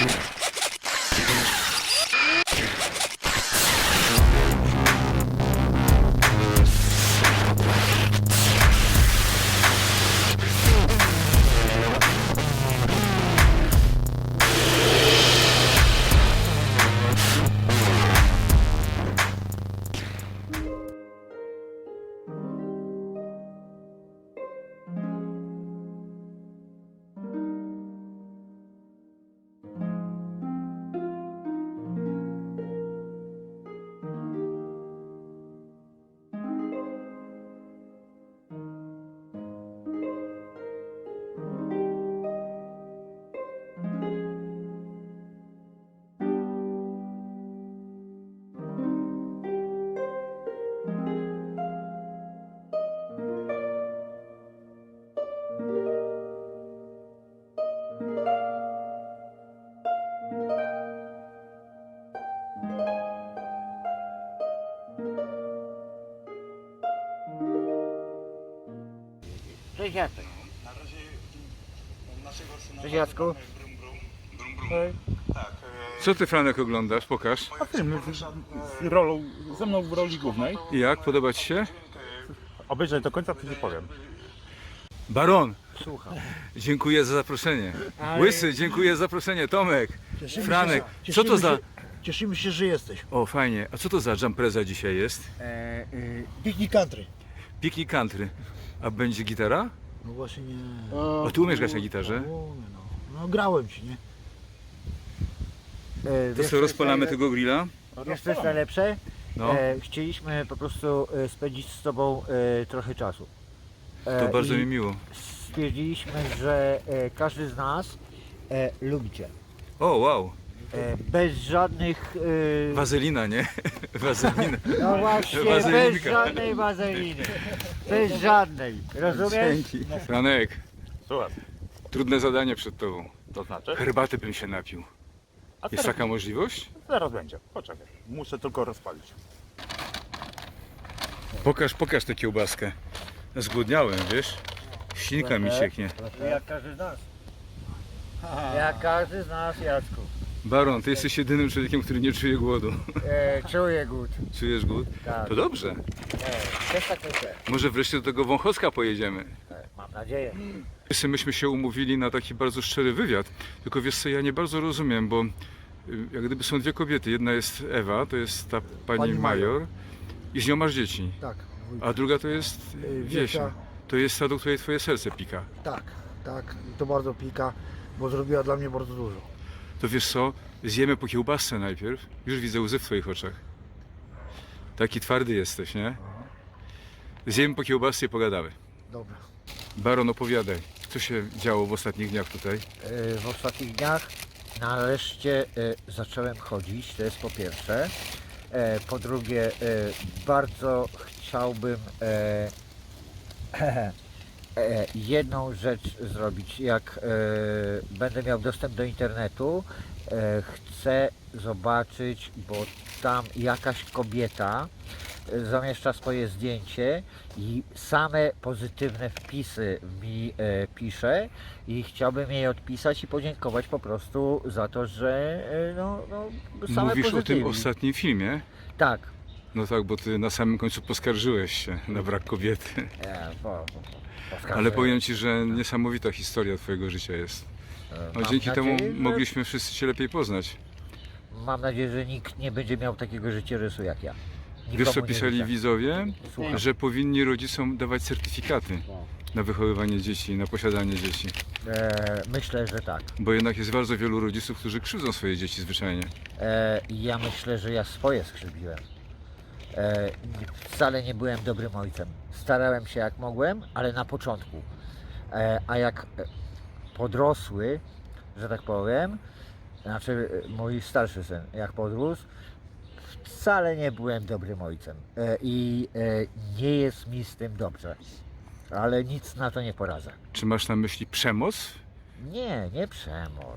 Cześć Jacek. Na razie naszego syna. Cześć Jacku. Tak. Co ty, Franek, oglądasz? Pokaż. A film z rolą, ze mną w roli głównej. I jak? Podoba ci się? Obejrzeć do końca, to ci powiem. Baron, Słucham. dziękuję za zaproszenie. Łysy, dziękuję za zaproszenie. Tomek, Franek, co to za... Cieszymy się, że jesteś. O, fajnie. A co to za jumpreza dzisiaj jest? Picnic country. Picnic country. A będzie gitara? No właśnie nie. A ty umiesz grać na gitarze? Umiem, no grałem ci, nie? To co, rozpalamy tego grilla? Wiesz co jest najlepsze? No, Chcieliśmy po prostu spędzić z Tobą trochę czasu. to bardzo i mi miło. Stwierdziliśmy, że każdy z nas lubi Cię. O, wow. Bez żadnych... Wazelina, nie? Wazelina. No właśnie, bez Wazelinka. żadnej wazeliny. Bez żadnej. Rozumiesz? Dzięki. Franek, Słuchaj, trudne zadanie przed tobą. to znaczy? Herbaty bym się napił. A Jest taka możliwość? zaraz będzie, poczekaj. Muszę tylko rozpalić. Pokaż tę kiełbaskę. Zgłodniałem, wiesz? Ślinka mi cieknie. Jak każdy z nas. Jak każdy z nas, Jacku. Baron, ty jesteś jedynym człowiekiem, który nie czuje głodu. Czuję głód. Czujesz głód? Tak. To dobrze. Też tak myślę. Może wreszcie do tego Wąchocka pojedziemy. Mam nadzieję. Myśmy się umówili na taki bardzo szczery wywiad. Tylko wiesz co, ja nie bardzo rozumiem, bo jak gdyby są dwie kobiety. Jedna jest Ewa, to jest ta pani Pani major. I z nią masz dzieci. Tak. A druga to jest Wiesia. To jest ta, do której twoje serce pika. Tak. I to bardzo pika, bo zrobiła dla mnie bardzo dużo. To wiesz co, zjemy po kiełbasce najpierw. Już widzę łzy w twoich oczach. Taki twardy jesteś, nie? Zjemy po kiełbasce i pogadamy. Dobra. Baron, opowiadaj, co się działo w ostatnich dniach tutaj? W ostatnich dniach nareszcie zacząłem chodzić, to jest po pierwsze. Po drugie, bardzo chciałbym jedną rzecz zrobić. Jak będę miał dostęp do internetu, chcę zobaczyć, bo tam jakaś kobieta zamieszcza swoje zdjęcie i same pozytywne wpisy mi pisze i chciałbym jej odpisać i podziękować po prostu za to, że same Mówisz o tym pozytywni. ostatnim filmie? Tak. No tak, bo ty na samym końcu poskarżyłeś się na brak kobiety. Ale powiem ci, że niesamowita historia twojego życia jest. No, Mam dzięki temu nadzieję, że- mogliśmy wszyscy cię lepiej poznać. Mam nadzieję, że nikt nie będzie miał takiego życiorysu jak ja. Wiesz co Nikomu nie pisali życzę. widzowie? Słucham. Że powinni rodzicom dawać certyfikaty na wychowywanie dzieci, na posiadanie dzieci. Myślę, że tak. Bo jednak jest bardzo wielu rodziców, którzy krzywdzą swoje dzieci zwyczajnie. Ja myślę, że ja swoje skrzywdziłem. Wcale nie byłem dobrym ojcem. Starałem się jak mogłem, ale na początku. A jak podrosły, że tak powiem, znaczy mój starszy syn, jak podrósł, wcale nie byłem dobrym ojcem. I nie jest mi z tym dobrze. Ale nic na to nie poradzę. Czy masz na myśli przemoc? Nie przemoc.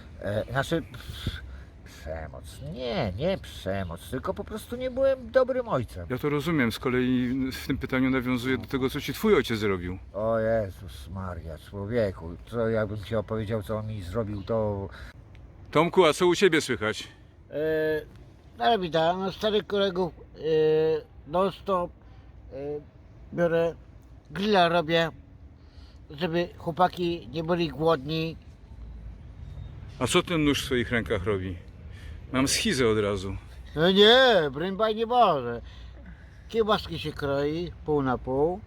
Przemoc. Nie przemoc, tylko po prostu nie byłem dobrym ojcem. Ja to rozumiem, z kolei w tym pytaniu nawiązuję do tego, co ci twój ojciec zrobił. O Jezus Maria, człowieku, co jakbym ci opowiedział, co on mi zrobił, to... Tomku, a co u Ciebie słychać? Ale witam, no, starych kolegów non stop biorę, grilla robię, żeby chłopaki nie byli głodni. A co ten nóż w swoich rękach robi? Mam schizę od razu. No nie, broń nie może. Kiełbaski się kroi, pół na pół.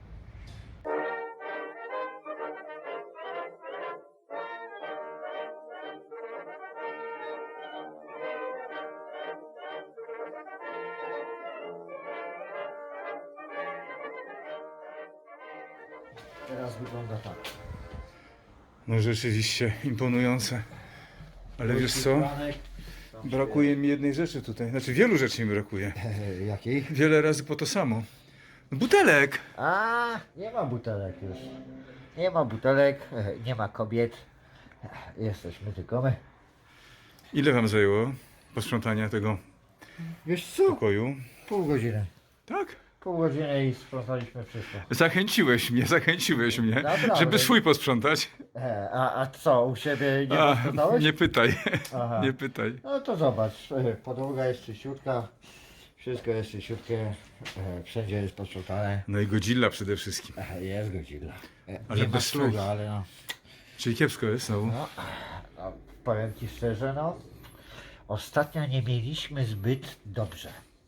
Teraz wygląda tak. No rzeczywiście imponujące. Ale wiesz co? Brakuje mi jednej rzeczy tutaj. Znaczy wielu rzeczy mi brakuje. Jakiej? Wiele razy po to samo. Butelek! A, nie ma butelek już. Nie ma butelek, nie ma kobiet. Jesteśmy tylko my. Ile wam zajęło posprzątania tego Wiesz co? pokoju? Pół godziny. Tak? Pół godziny i sprzątaliśmy wszystko. Zachęciłeś mnie, Naprawdę. żeby swój posprzątać. A co, u siebie nie A, posprzątałeś? nie pytaj, Aha. nie pytaj. No to zobacz, podłoga jest czyściutka, wszystko jest czyściutkie, wszędzie jest posprzątane. No i Godzilla przede wszystkim. Jest godzilla. Ale Nie ma bez sługa, swoich. ale no. Czyli kiepsko jest znowu. No, powiem Ci szczerze, no, ostatnio nie mieliśmy zbyt dobrze.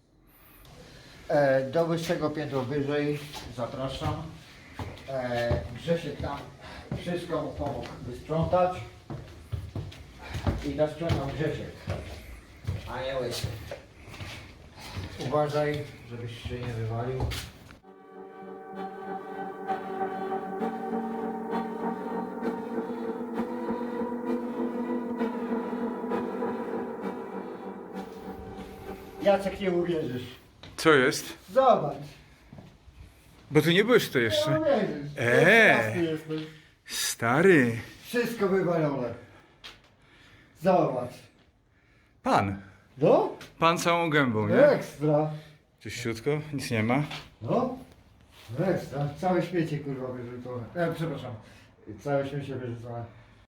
Do wyższego piętro wyżej, zapraszam. Grzesiek tam wszystko mu pomógł wysprzątać. I zasprzątał Grzesiek, a nie łysy. Uważaj, żebyś się nie wywalił. Jacek, nie uwierzysz. Co jest? Zobacz. Bo ty nie byłeś tutaj jeszcze. Uwierzysz. Eee. Jesteś. Stary. Wszystko wywalone. Zobacz. Pan. No? Pan całą gębą, nie? Ekstra. Czyściutko, nic nie ma. No? Ekstra. Całe śmiecie kurwa wyrzucone. Przepraszam. Całe śmiecie wyrzucone.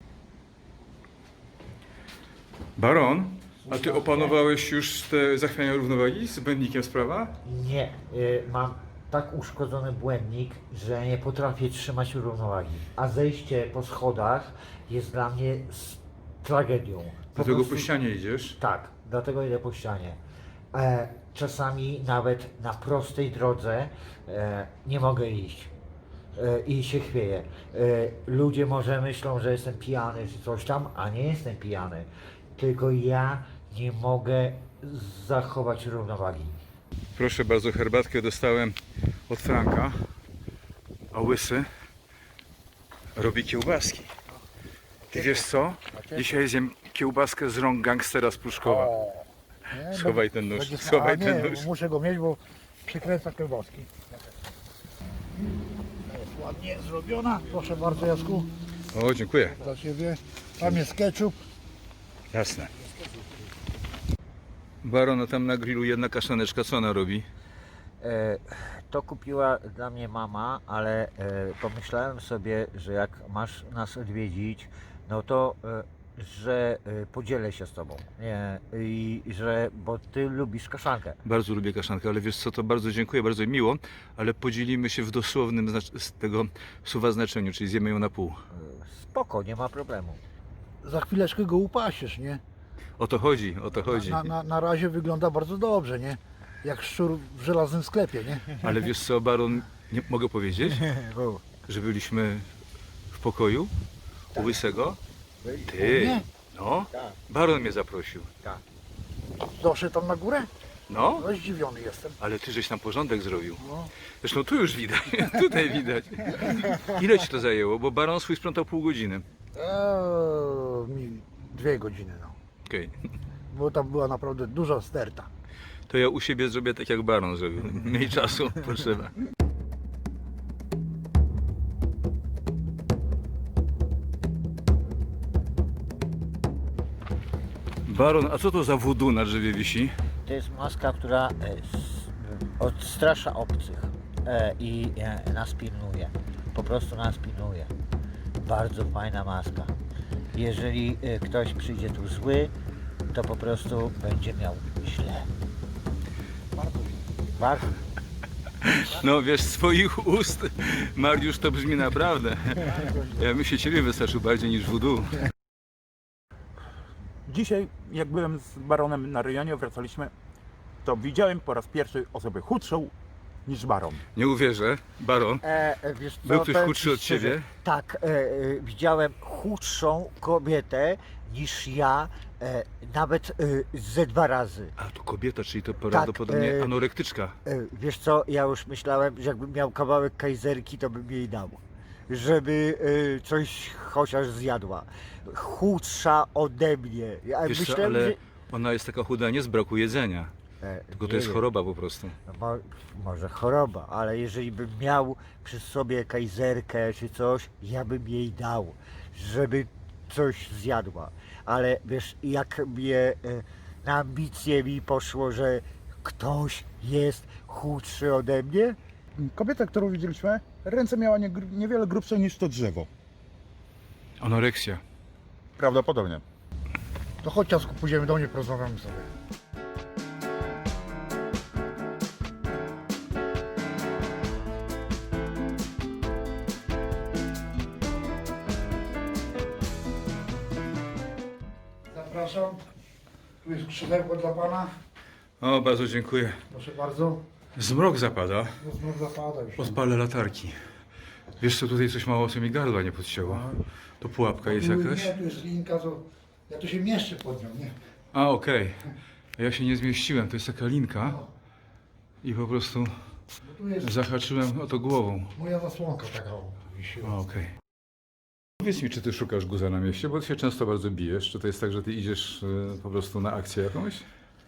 Baron, a ty opanowałeś już te zachwiania równowagi z błędnikiem sprawa? Nie, mam tak uszkodzony błędnik, że nie potrafię trzymać równowagi. A zejście po schodach jest dla mnie tragedią. Dlatego prostu- po ścianie idziesz. Tak, dlatego idę po ścianie. Czasami nawet na prostej drodze nie mogę iść. I się chwieję. Ludzie może myślą, że jestem pijany czy coś tam, a nie jestem pijany. Tylko ja nie mogę zachować równowagi. Proszę bardzo, herbatkę dostałem od Franka, a Łysy robi kiełbaski. Ty wiesz co? Dzisiaj zjem kiełbaskę z rąk gangstera z Pruszkowa. Schowaj ten nóż, schowaj ten nóż. Muszę go mieć, bo przykręca kiełbaski. Jest ładnie zrobiona. Proszę bardzo, Jacku, O, dziękuję. dla Ciebie. Tam jest ketchup. Jasne. Baron, a tam na grillu jedna kaszaneczka, co ona robi? To kupiła dla mnie mama, ale pomyślałem sobie, że jak masz nas odwiedzić, no to że podzielę się z tobą. Nie, i że, bo ty lubisz kaszankę. Bardzo lubię kaszankę, ale wiesz co, to bardzo dziękuję, bardzo mi miło, ale podzielimy się w dosłownym z tego słowa znaczeniu, czyli zjemy ją na pół. Spoko, nie ma problemu. Za chwileczkę go upasiesz, nie? O to chodzi, o to chodzi. Na razie wygląda bardzo dobrze, nie? Jak szczur w żelaznym sklepie, nie? Ale wiesz co, Baron, nie mogę powiedzieć, że byliśmy w pokoju u Łysego? Ty, Nie. no, Baron mnie zaprosił. Doszedł tam na górę? No, No zdziwiony jestem. ale ty żeś tam porządek zrobił. No. Zresztą tu już widać, tutaj widać. Ile ci to zajęło? Bo Baron swój sprzątał pół godziny. Mi 2 godziny, no. Okej. Bo tam była naprawdę duża sterta. To ja u siebie zrobię tak jak Baron zrobił. Mniej czasu potrzeba. Baron, a co to za voodoo na drzewie wisi? To jest maska, która odstrasza obcych i nas pilnuje. Po prostu nas pilnuje. Bardzo fajna maska. Jeżeli ktoś przyjdzie tu zły, to po prostu będzie miał źle. Bardzo. No wiesz, z swoich ust, Mariusz, to brzmi naprawdę. Ja bym się ciebie wystraszył bardziej niż voodoo. Dzisiaj, jak byłem z baronem na rejonie, wracaliśmy, to widziałem po raz pierwszy osobę chudszą niż baron. Nie uwierzę, baron. Wiesz co, Był ktoś powiem chudszy ci od szczerze, ciebie? Tak, widziałem chudszą kobietę niż ja, nawet ze 2 razy. A to kobieta, czyli to prawdopodobnie anorektyczka. Wiesz co, ja już myślałem, że jakbym miał kawałek kajzerki, to bym jej dał, żeby coś chociaż zjadła. Chudsza ode mnie. Ja Wiesz co, myślałem, ale że... ona jest taka chuda nie z braku jedzenia, tylko to nie jest wiem. choroba po prostu. No może choroba, ale jeżeli bym miał przy sobie kajzerkę czy coś, ja bym jej dał, żeby coś zjadła. Ale wiesz, jak mnie na ambicje mi poszło, że ktoś jest chudszy ode mnie, Kobieta, którą widzieliśmy, ręce miała niewiele grubsze niż to drzewo. Anoreksja. Prawdopodobnie. To chodź ciasku, pójdziemy do mnie, porozmawiamy sobie. Zapraszam. Tu jest krzesełko dla pana. O, bardzo dziękuję. Proszę bardzo. Zmrok zapada. No znów zapada już. Odpalę latarki. Wiesz co, tutaj coś mało co mi gardła nie podcięło. To pułapka jest jakaś? Nie, tu jest linka, to ja tu się mieszczę pod nią, nie? A, okej. Ja się nie zmieściłem, to jest taka linka i po prostu Bo tu jest zahaczyłem o to głową. moja zasłonka taka o, wisiła. A, okej. Powiedz mi, czy ty szukasz guza na mieście, bo ty się często bardzo bijesz. Czy to jest tak, że ty idziesz po prostu na akcję jakąś?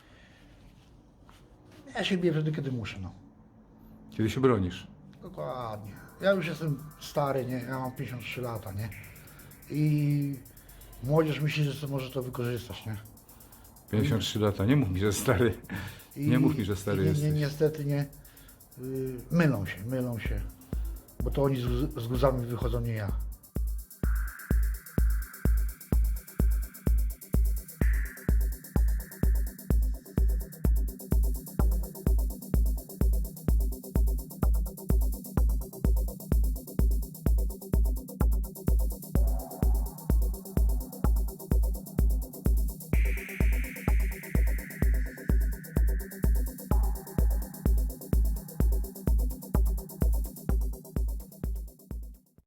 Ja się biję wtedy, kiedy muszę, no. Kiedy się bronisz? Dokładnie. Ja już jestem stary, nie? Ja mam 53 lata, nie? I młodzież myśli, że to może to wykorzystać, nie? 53 lata, nie mów mi, że stary. I, Nie mów mi, że stary nie, jesteś. niestety nie. Mylą się. Bo to oni z guzami wychodzą, nie ja.